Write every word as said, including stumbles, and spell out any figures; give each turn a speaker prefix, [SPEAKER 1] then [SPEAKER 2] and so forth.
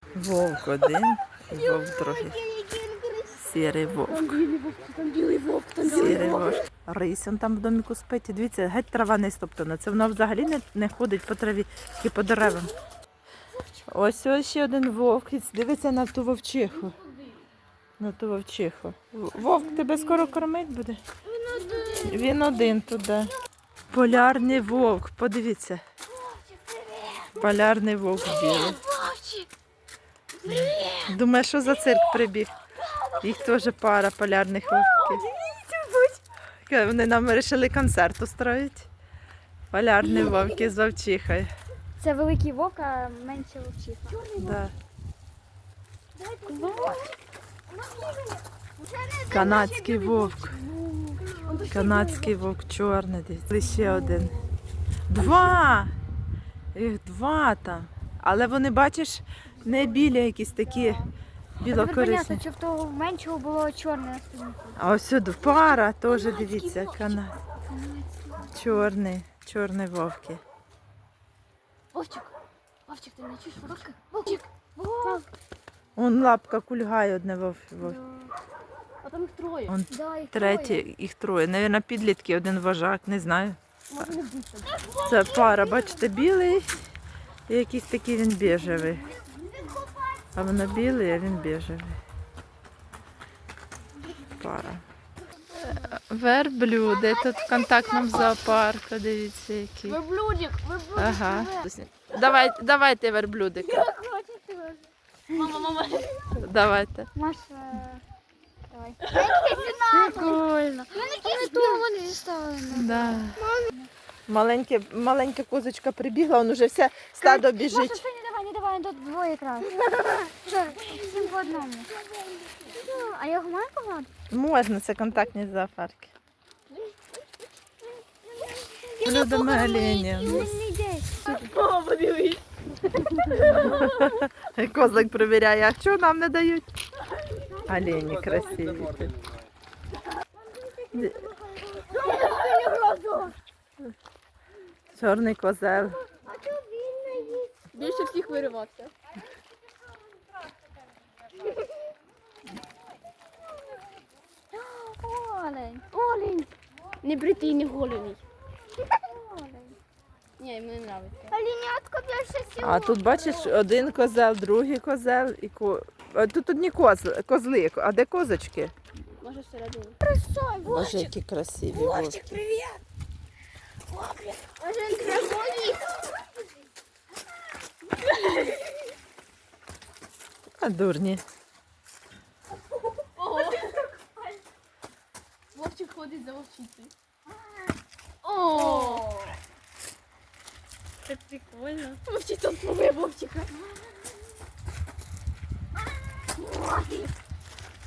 [SPEAKER 1] Вовк один, і вовк другий. Сірий вовк.
[SPEAKER 2] Там білий вовк, там білий вовк, там білий
[SPEAKER 1] Сірий
[SPEAKER 2] вовк.
[SPEAKER 1] вовк. Рись он там в доміку спить. І дивіться, геть трава не стоптана. Це вона взагалі не, не ходить по траві, тільки по деревам. Ось ось ще один вовк. І дивиться на ту вовчиху. На ту вовчиху. Вовк тебе скоро кормить буде? Він один туди. Полярний вовк, подивіться. Полярний вовк білий. Думаю, що за цирк прибіг? Їх теж пара полярних вовків. Вони нам вирішили концерт устроїти. Полярні вовки з вовчихою.
[SPEAKER 2] Це великий вовк, а менше вовчиха.
[SPEAKER 1] Да. Канадський вовк. Канадський вовк чорний. Дивіться. Ще один. Два! Їх два там. Але вони, бачиш, не білі якісь такі білокорисні.
[SPEAKER 2] Понятно, що в того меншого було чорне на спині.
[SPEAKER 1] А ось сюди пара теж, дивіться, канад. Чорний, чорний вовки.
[SPEAKER 2] Вовчик, Вовчик, ти не чуєш вовка? Вовчик, Вовк.
[SPEAKER 1] Вон лапка кульгає одне вов. вов.
[SPEAKER 2] А там їх троє.
[SPEAKER 1] Вон
[SPEAKER 2] Да, їх
[SPEAKER 1] третій, їх троє. Навірно, підлітки, один вожак, не знаю.
[SPEAKER 2] троє. Може не більше.
[SPEAKER 1] Це пара, бачите, білий і якийсь такий він біжевий. А воно білий, а він біжевий. Пара. Верблюди. Тут в контактному зоопарку, дивіться які.
[SPEAKER 2] Верблюдик, верблюдик.
[SPEAKER 1] Ага. Давай, давайте верблюдика.
[SPEAKER 2] Я хочу теж. Мама, мама.
[SPEAKER 1] Давайте.
[SPEAKER 2] Маша, давай. Прикольно. Вони тут вони зіставлені.
[SPEAKER 1] Да. Маленьке, маленька козочка прибігла, он уже все стадо
[SPEAKER 2] Маша,
[SPEAKER 1] біжить.
[SPEAKER 2] все, не давай, не давай, тут двоє якраз. Всім по одному. А я його маю погладити?
[SPEAKER 1] Можна, це контактні зоопарки. Блюдами оленя.
[SPEAKER 2] Він не йде.
[SPEAKER 3] Мама, подивись.
[SPEAKER 1] Козак перевіряє, а що нам не дають? Олені красиві. Чорний козел.
[SPEAKER 3] Більше всіх виривався.
[SPEAKER 2] Олень. Олень.
[SPEAKER 3] Не бритий, не голений. Ні, мені подобається.
[SPEAKER 2] Оленятко більше всього.
[SPEAKER 1] А тут бачиш один козел, другий козел і ко... А тут одні козли, козли, а де козочки?
[SPEAKER 3] Може всередині.
[SPEAKER 1] Боже, які красиві вовки.
[SPEAKER 2] привіт. Може він красивий?
[SPEAKER 1] А дурні.
[SPEAKER 3] Вовчик ходить за вовчицею. О! Це прикольно. Вовчиця спробує вовчика.